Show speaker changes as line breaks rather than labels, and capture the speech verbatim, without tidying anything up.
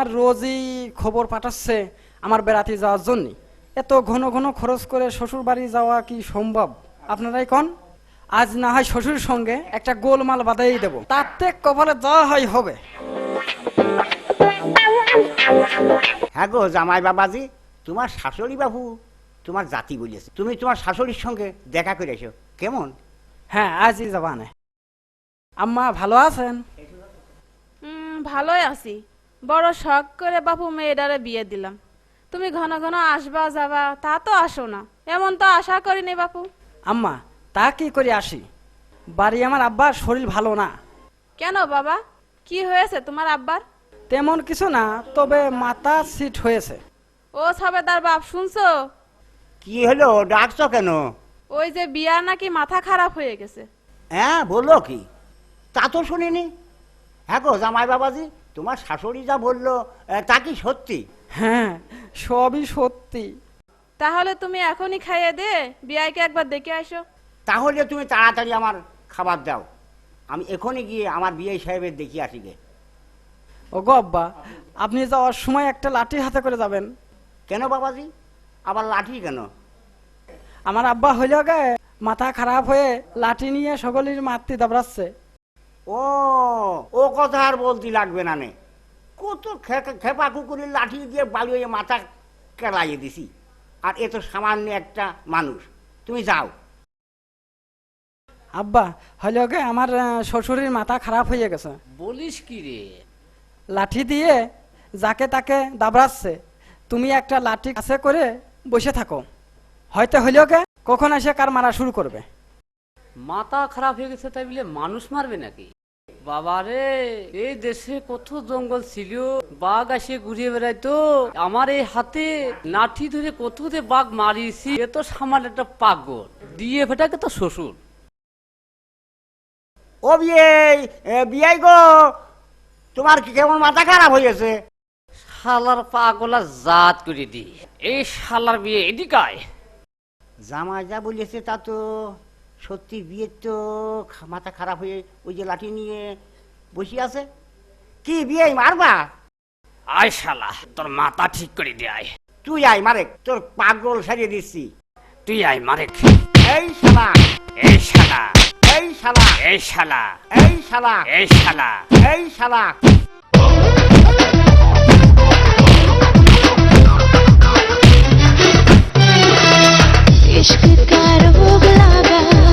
আমার রোজই খবর পাঠাচ্ছে আমার বেড়াতে যাওয়ার জন্য। এত ঘন ঘন খরচ করে শ্বশুর বাড়ি যাওয়া কি সম্ভব? আপনারাই কোন? আজ না হয় শ্বশুর সঙ্গে একটা গোলমাল বাঁধাই দেবো, তাতে কপালে যা হয় হবে।
হ্যাঁ গো জামাই বাবাজি, তোমার শাশুড়ি বাবু তোমার জাতি বলেছে, তুমি তোমার শাশুড়ির সঙ্গে দেখা করে এসো কেমন?
হ্যাঁ, আজই যাবা না। আম্মা ভালো আছেন?
হুম, ভালোই আছি। বড় শখ করে বাপু মেয়েটারে বিয়ে দিলাম। তুমি ঘন ঘন আসবা যাবা, তা তো আসো না, এমন তো আশা করিনি বাপু।
আম্মা তা কি করে আসি, বাড়ি আমার আব্বার শরীর ভালো না।
কেন বাবা, কি হয়েছে তোমার আব্বার?
তেমন কিছু না, তবে মাথা সিট হয়েছে।
ও সবেদার বাপ, শুনছো?
কি হলো, ডাকছো কেন?
ওই যে বিয়া নাকি মাথা খারাপ হয়ে গেছে।
হ্যাঁ বললো কি? তা তো শুনিনি। হ্যাঁ গো জামাই বাবাজি, তোমার শাশুড়ি যা বললো তা কি সত্যি?
হ্যাঁ, সবই সত্যি।
তাহলে তুমি এখনই খাইয়ে দে বিয়াইকে একবার দেখে আসো।
তাহলে তুমি তাড়াতাড়ি আমার খাবার দাও, আমি এখনই গিয়ে আমার বিয়ে সাহেবের দেখিয়ে আসি গে।
ও গো আব্বা, আপনি যাওয়ার সময় একটা লাঠি হাতে করে যাবেন।
কেন বাবাজি, আবার লাঠি কেন?
আমার আব্বা হইল গে মাথা খারাপ হয়ে লাঠি নিয়ে সকলের মারতে দাবড়াচ্ছে।
ও ও কথা আর বলতে লাগবে না নে, কত খেপা কুকুরের লাঠি দিয়ে বালিয়ে মাথা কেলাইয়ে দিছি, আর এ তো সামান্য একটা মানুষ। তুমি যাও।
আব্বা হইল গে আমার আহ, শ্বশুরের মাথা খারাপ হয়ে গেছে।
বলিস কি রে?
লাঠি দিয়ে যাকে তাকে দাবড়াচ্ছে, তুমি একটা লাঠি কাছে করে বসে থাকো, হয়তো হইল গে কখন এসে কার মারা শুরু করবে।
মাথা খারাপ হয়ে গেছে তাই বলে মানুষ মারবে নাকি? বাবা রে, এই দেশে কত জঙ্গল ছিল, বাঘ আসে ঘুরিয়ে বেড়াইতো, আমার এই হাতে লাঠি ধরে কত যে বাঘ মারিয়েছি। এ তো সামান্য একটা পাগল, দিয়ে ফেটাকে তো শ্বশুর।
ও বিয়ে বিয়াই গো, তোমার কি কেমন মাথা খারাপ হয়েছে?
শালার পাগলা জাত করে দি, এই শালার বিয়ে এদিকায়।
জামা যা বলেছে তা তো সত্যি, বিয়ের তো মাথা খারাপ হয়ে ওই যে লাঠি নিয়ে বসে আছে। কি বিয়ে মারবা?
আয় শালা, তোর মাথা ঠিক করে দে। আয়
তুই আয় মারেক, তোর পাগল সারিয়ে দিচ্ছি।
তুই আয় মারে।
এই শালা,
এই শালা,
এই শালা,
এই শালা,
এই শালা,
এই শালা,
এই শালা।
इश्क का रोग लगा